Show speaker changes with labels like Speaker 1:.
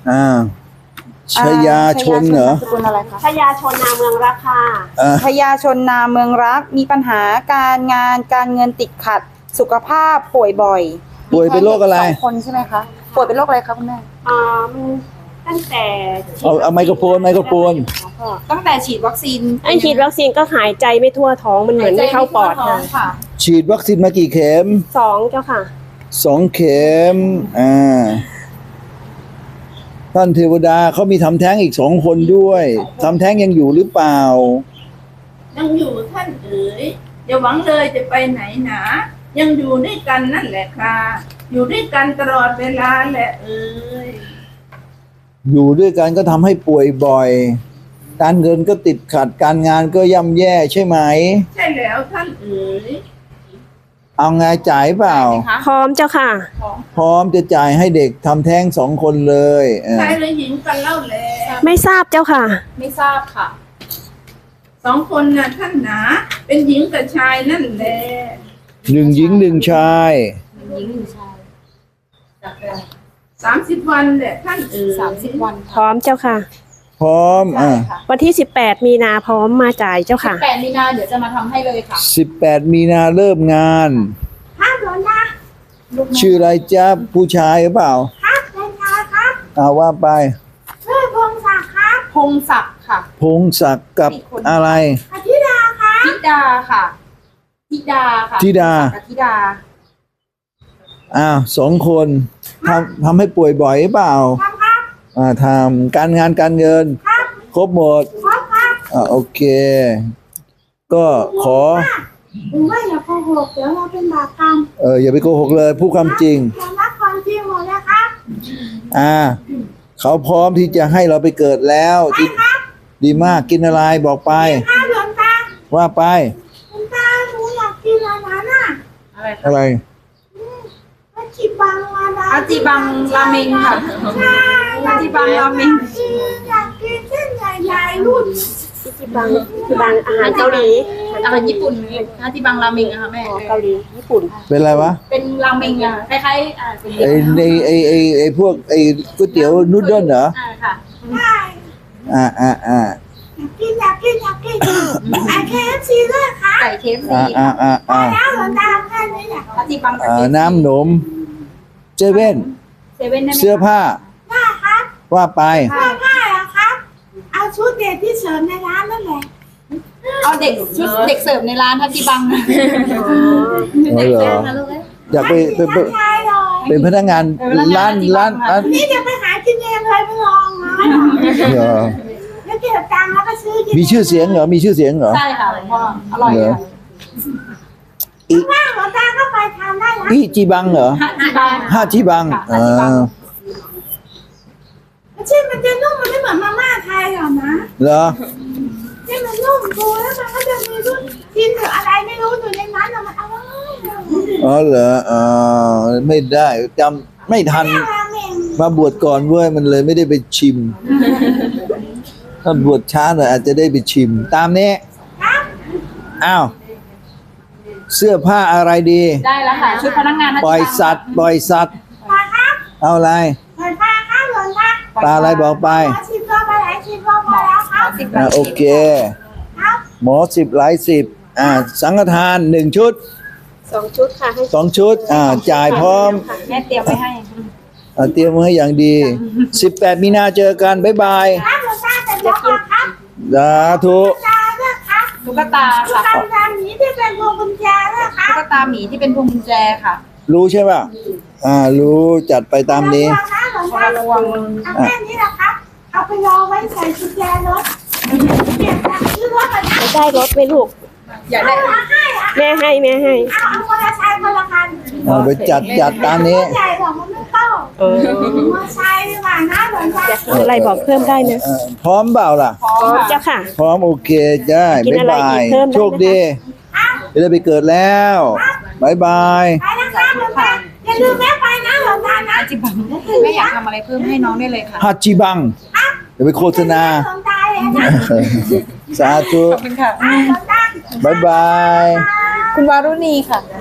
Speaker 1: อ่าชยาชนเหรอ
Speaker 2: สกุลอะไรคะ
Speaker 3: ชยาชนนาเมืองรักค่ะ
Speaker 2: ชยาชนนาเมืองรักมีปัญหาการงานการเงินติดขัดสุขภาพป่วยบ่อย
Speaker 1: ป่วยเป็นโรคอะไร
Speaker 2: มีแค่เด็ก2 คนใช่ไหมคะป่วยเป็นโรคอะไรคะคุณแม่
Speaker 3: มันตั้งแต่
Speaker 1: เอาไมโครโฟน
Speaker 2: ตั้งแต่ฉีดวัคซีน
Speaker 3: ไอฉีดวัคซีนก็หายใจไม่ทั่วท้องมันเหมือนไม่เข้าปอดค่ะ
Speaker 1: ฉีดวัคซีนมากี่เข็ม
Speaker 3: 2เจ้าค่ะ
Speaker 1: 2 เข็มท่านเทวดาเขามีทำแท้งอีก2 คนด้วยทำแท้งยังอยู่หรือเปล่า
Speaker 4: ยังอยู่ท่านเอ๋ยอย่าหวังเลยจะไปไหนหนายังอยู่ด้วยกันนั่นแหละค่ะอยู่ด้วยกันตลอดเวลาแหละเอ๋ย
Speaker 1: อยู่ด้วยกันก็ทำให้ป่วยบ่อย การเงินก็ติดขัดการงานก็ย่ำแย่ใช่ไหม
Speaker 4: ใช่แล้วท่านเอ๋ย
Speaker 1: เอาไงจ่ายเปล่า
Speaker 3: พร้อมเจ้าค่ะ
Speaker 1: พร้อมจะจ่ายให้เด็กทำแท้ง2 คนเลย
Speaker 4: ชายและหญิงกันเล่าแล
Speaker 3: ไม่ทราบเจ้าค่ะ
Speaker 2: ไม่ทราบค่ะ
Speaker 4: 2 คนน่ะท่านหนาเป็นหญิงกับชายนั่นแหละ
Speaker 1: 1 หญิง 1 ชาย
Speaker 4: 30 วันแหละท่านเอ๋ย
Speaker 2: 30 วัน
Speaker 3: พร้อมเจ้าค่ะ
Speaker 1: พร้อม
Speaker 3: วันที่18มีนาพร้อมมาจ่ายเจ้าค่ะ
Speaker 2: 8 มีนาเดี๋ยวจะมาทำให้เลยค่ะ
Speaker 1: 18 มีนาเริ่มงาน
Speaker 4: ครับหลวงตา
Speaker 1: ชื่ออะไรจ๊ะผู้ชายหรือเปล่า
Speaker 4: ครับหลวงตาครับ
Speaker 1: ว่าไป
Speaker 4: ชื่อพงศักดิ์ครับ
Speaker 2: พงศักดิ์ค่ะ
Speaker 1: พงศักดิ์กับอะไร
Speaker 4: อธิดาครับ
Speaker 2: ธิดาค่ะธิดาค่ะ
Speaker 1: ธิดา
Speaker 2: กับธิดา
Speaker 1: 2 คนทำให้ป่วยบ่อยหรือเปล่า
Speaker 4: ครับครับ
Speaker 1: ทำการงานการเงิน
Speaker 4: ครับ
Speaker 1: ครบหมด
Speaker 4: ครับครับ
Speaker 1: โอเค ก็ขอ
Speaker 4: ผมว่าอย่าโกหกเดี๋ยวเราเป็นบาปกรรม
Speaker 1: อย่าไปโกหกเลยพูดความจริง
Speaker 4: อย่ารักความจริงหมดนะครับ
Speaker 1: เขาพร้อมที่จะให้เราไปเกิดแล้วดีมากกินอะไรบอกไป
Speaker 4: ข้าวหลวงตา
Speaker 1: ว่าไป
Speaker 4: หลวงตาหนูอยากกินอะไรน่ะ
Speaker 1: อะไร
Speaker 4: อาจิบังอะไร
Speaker 2: อาจิบังราเมงค่ะ
Speaker 4: ใช่
Speaker 2: อาจิบังราเมง
Speaker 4: อยากกินเส้นใหญ่ๆรุ่น
Speaker 3: ที่บางอาหารเกาหลี
Speaker 2: อาหารญี่ปุ่นอาจิบังราเมงอะค่ะแม่
Speaker 3: เกาหลีญี่ปุ่น
Speaker 1: เป็นอะไรวะ
Speaker 2: เป็นราเมงอะคล้ายๆเป็น
Speaker 1: ไอ้พวกก๋วยเตี๋ยวนูดเดิลเหรอ
Speaker 2: ค่ะ
Speaker 4: ใช่ อยากกินไอเคฟซีด้วยค่ะ
Speaker 2: ไก่เคฟซี
Speaker 4: แล้วหลวงตาแค่นี้แหละ
Speaker 2: อาจิบังกับเคฟซี
Speaker 1: น้ำหนมเจเว่น
Speaker 2: เซเว่นได้ไหม
Speaker 1: เสื้อผ้า
Speaker 4: ได้ครับ
Speaker 1: ว่าไป
Speaker 4: เสื้อผ้าเหรอครับ เอาชุดเด็กที่เสริมในร้านนั่นแหละ
Speaker 2: เอาเด็กชุดเด็กเสิร์ฟในร้านอาจิบัง
Speaker 1: อ๋อเหรอ อยากไป
Speaker 4: ใช่เลย
Speaker 1: เป็นพนักงานร้าน
Speaker 4: นี่จะไปหากินเองเลยไม่ลองนะ
Speaker 1: เหรอ
Speaker 4: แล้วเก็บตังค์แล้วก็ซื้อกิน
Speaker 1: มีชื่อเสียงเหรอมีชื่อเสียงเหรอ
Speaker 2: ใช่ค่ะหลวงพ่ออร่อย
Speaker 1: เหรอ
Speaker 2: ค่ะ
Speaker 4: ว่างหลวงตาก็ไปทำได้นะ
Speaker 1: อีจีบังเหรอ
Speaker 2: อาจิบัง
Speaker 1: ห้าจีบัง
Speaker 2: ค่ะห้าจีบัง
Speaker 4: ชื่อมันจะนุ่มมันไม่เหมือนมาม่าไทยหรอกนะ
Speaker 1: เหรอ
Speaker 4: ที่มันนุ่มดูแล้วมันก็จะมีรุ่นกินหรืออะไรไม่รู้อยู่ในนั้นอะมันอร่อย
Speaker 1: เหรอไม่ได้จำไม่ทัน
Speaker 4: ราเมง
Speaker 1: มาบวชก่อนเว้ยมันเลยไม่ได้ไปชิม ถ้าบวชช้าหน่อยอาจจะได้ไปชิม ตามนี้
Speaker 4: ครับ
Speaker 1: อ้าว เสื้อผ้าอะไรดี
Speaker 2: ได้แล้วค่ะ ชุดพนักงานอาจิบัง
Speaker 1: ปล่อยสัตว์
Speaker 4: ปลาครับ
Speaker 1: เอาอะไร
Speaker 4: ปล่อยปลาครับหลวงตา
Speaker 1: ปลาอะไรบอกไป
Speaker 4: หมอ10 ตัวปลาไหล10 ตัวพอแล้วครับ
Speaker 1: โอเค
Speaker 4: ครับ
Speaker 1: หมอ10 หลาย 10สังฆทาน1 ชุด
Speaker 3: 2 ชุดค่ะให้
Speaker 1: 2 ชุดจ่ายพร้อม
Speaker 2: แม่เตรียมไว้ให้
Speaker 1: เตรียมไว้ให้อย่างดี 18 มีนาเจอกัน บ๊ายบาย
Speaker 4: ครับหลวงตาแต่เดี๋ยวก่อนครับ
Speaker 1: สาธุ
Speaker 4: ตาด้วยครับ
Speaker 2: ตุ๊กตา
Speaker 4: ตุ๊ก
Speaker 2: ค่ะ
Speaker 4: ตาหมีที่เป็นพวงกุญแจด้วยครับ
Speaker 2: ตุ๊กตาหมีที่เป็นพวงกุญแจค่ะ
Speaker 1: รู้ใช่ป่ะรู้จัดไปตามนี้
Speaker 4: ระวังนะหลวงตา
Speaker 2: ระวัง
Speaker 4: เอาแค่นี้แหละครับ เอาไปรอไว้ใส่กุญแจรถเก็บตังค์ซื้อรถก่อนนะ
Speaker 3: ได้รถไหมลูก
Speaker 2: อยากได้
Speaker 4: เอาให้อะ
Speaker 3: แม่ให้
Speaker 4: เอามอเตอร์ไซค์คนละคัน
Speaker 1: เอาไปจัดตามนี้
Speaker 4: รถใหญ่หรอกมันไม่เข้ามอเตอร์ไซค์ดีกว่านะหลวงตา
Speaker 3: อยากกินอะไรบอกเพิ่มได้นะ
Speaker 1: พร้อมเปล่าล่ะ
Speaker 2: พร้อ
Speaker 3: พร้อ
Speaker 2: ม
Speaker 3: ม
Speaker 2: ค่ะ
Speaker 3: เจ้าค่ะ
Speaker 1: พร้อมโอเคได้
Speaker 3: กิน
Speaker 1: บ๊าย
Speaker 3: อะไร
Speaker 1: บา
Speaker 3: อี
Speaker 1: ย
Speaker 3: กเพิ่มได้ไหม
Speaker 1: โชคดีจะได้ไปเกิดแล้วบ๊ายบาย
Speaker 4: ไปนะครับหลวงตาอย่าลืมแม่ไปนะหลวงตานะ
Speaker 2: อาจิบังแม่อยากทำอะไรเพิ่มให้น้องได้เลยค่ะ
Speaker 1: ฮัจจิบังเดี๋ยวไปโฆษณา
Speaker 4: หลวงตาเลยนะ
Speaker 1: สาธุ
Speaker 2: ขอบคุณค่ะ
Speaker 4: หลวงตา
Speaker 1: บ๊ายบาย
Speaker 2: คุณวารุณีค่ะ
Speaker 4: ค